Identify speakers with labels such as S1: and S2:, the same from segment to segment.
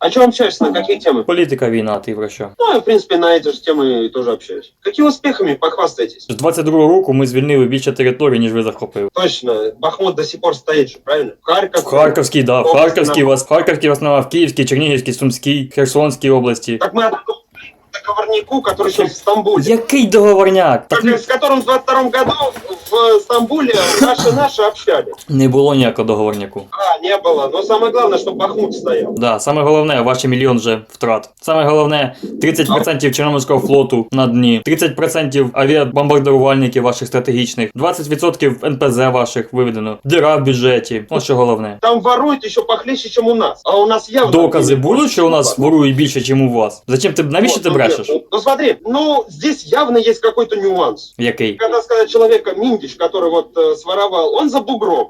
S1: О чем общаешься, на какие темы?
S2: Політика, війна, ти про що?
S1: Ну, я, в принципе, на эти же темы тоже общаюсь. Какие успехами похвастаетесь?
S2: З 22-го року ми звільнили більше територій, ніж ви захопили.
S1: Точно, Бахмут до сих пор стоит же, правильно? Харьков.
S2: В Харківській, да, в Харківській основа, в Київській, Чернігівській, Сумській, Херсонській області.
S1: Как мы оттуда договорнику, который сейчас в Стамбуле.
S2: Який договорняк? Так
S1: С которым в 22 году в Стамбуле наши общались.
S2: не було ніякого договорняку.
S1: Не было. Но самое главное, чтобы Бахмут стоял.
S2: Да, саме головне, ваші мільйон вже втрат. Саме головне, 30% Чорноморського флоту на дні, 30% авіабомбардувальників ваших стратегічних, 20% НПЗ ваших виведено, діра в бюджеті. Ось що головне.
S1: Там воруют еще похлеще, чем у нас. А у нас явно...
S2: Докази будуть, що у нас ворують більше, ніж у вас? Зачем ти, навіщо ти брешеш?
S1: Ну смотри, здесь явно есть какой-то нюанс.
S2: Який?
S1: Когда сказать человека Миндич, который вот своровал, он за бугром.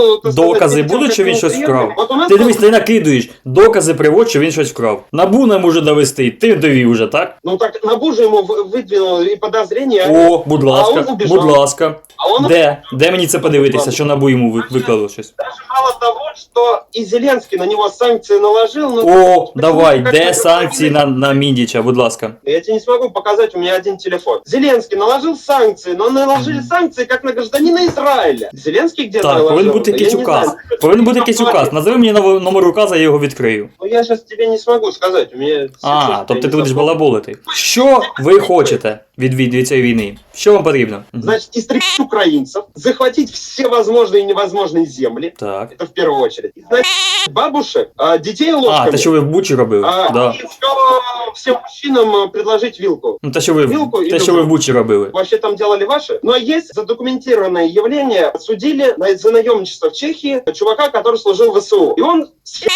S2: Докази будуть, що він щось вкрав? Ти дивись, ти накидуєш. Докази приводь, що він щось вкрав. НАБУ не може довести, ти довів уже, так?
S1: Ну так НАБУ же ему выдвинул и подозрения.
S2: О, будь ласка, будь ласка. Де мені це подивитися, що НАБУ йому виклало щось?
S1: Даже мало того, что и Зеленский на него санкции наложил.
S2: О, давай, де санкції на Міндіча, будь ласка.
S1: Я тебе не смогу показать, у меня один телефон. Зеленский наложил санкции, но наложили санкции как на гражданина Израиля. Зеленский где-то
S2: так,
S1: наложил?
S2: повинен бути якийсь указ. Повинен бути якийсь указ. Назови мені номер указа, я його відкрию.
S1: Ну я сейчас тебе не смогу сказать, у меня...
S2: Тобто ти будеш балаболити. Що ви хочете від цієї війни? Що вам потрібно?
S1: Значит, истребить украинцев, захватить все возможные и невозможные земли.
S2: Так.
S1: Это в первую очередь. Значит, бабушек, детей ложками.
S2: Те, що ви в Бучі робили? Да.
S1: И всем мужчинам предложить вилку.
S2: Ну, те, що ви в Бучі робили.
S1: Вообще там делали ваши. Но есть задокументированное явление. Судили за наемничество в Чехии чувака, который служил в ВСУ. И он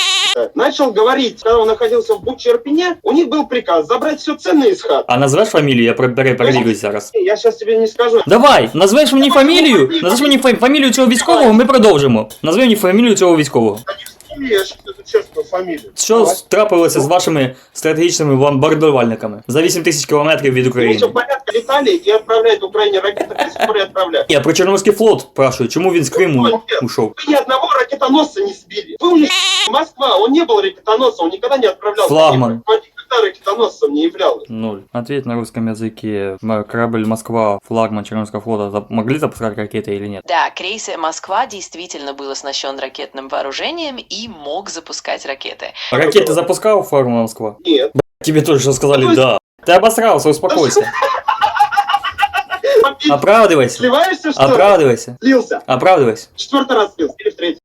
S1: начал говорить, когда он находился в Буче Ирпене, у них был приказ забрать все ценное из хат.
S2: А назвеш фамілію? Я перевірюсь зараз.
S1: Я сейчас тебе не скажу.
S2: Давай, назвеш мені фамілію? Назвеш мені фамілію цього військового, ми продовжимо. Назви мені фамілію цього військового.
S1: Я сейчас честную фамилию.
S2: Що трапилося з вашими стратегічними бомбардувальниками за 8 тисяч кілометрів від України?
S1: Все в порядке, летали и отправляют Украине ракеты, до сих пор и отправляют.
S2: Я про Чорноморський флот спрашиваю, чому він з Криму ушов?
S1: Вы ни одного ракетоносца не сбили. Вы у них Москва, он не был ракетоносцем, он никогда не отправлял.
S2: Флагман.
S1: Он никогда ракетоносцем не являлся.
S2: 0. Ответь на русском языке. Корабль Москва, флагман Черноморского флота, могли запускать ракеты или нет?
S3: Да, крейсер Москва действительно был оснащен ракетным вооружением и мог запускать ракеты.
S2: Ракеты запускал флагман Москва?
S1: Нет.
S2: Тебе тоже что сказали да. Ты обосрался, успокойся. Оправдывайся.
S1: Сливаешься, что ли?
S2: Оправдывайся.
S1: Слился.
S2: Оправдывайся.
S1: 4-й раз слился. Или в 3-й.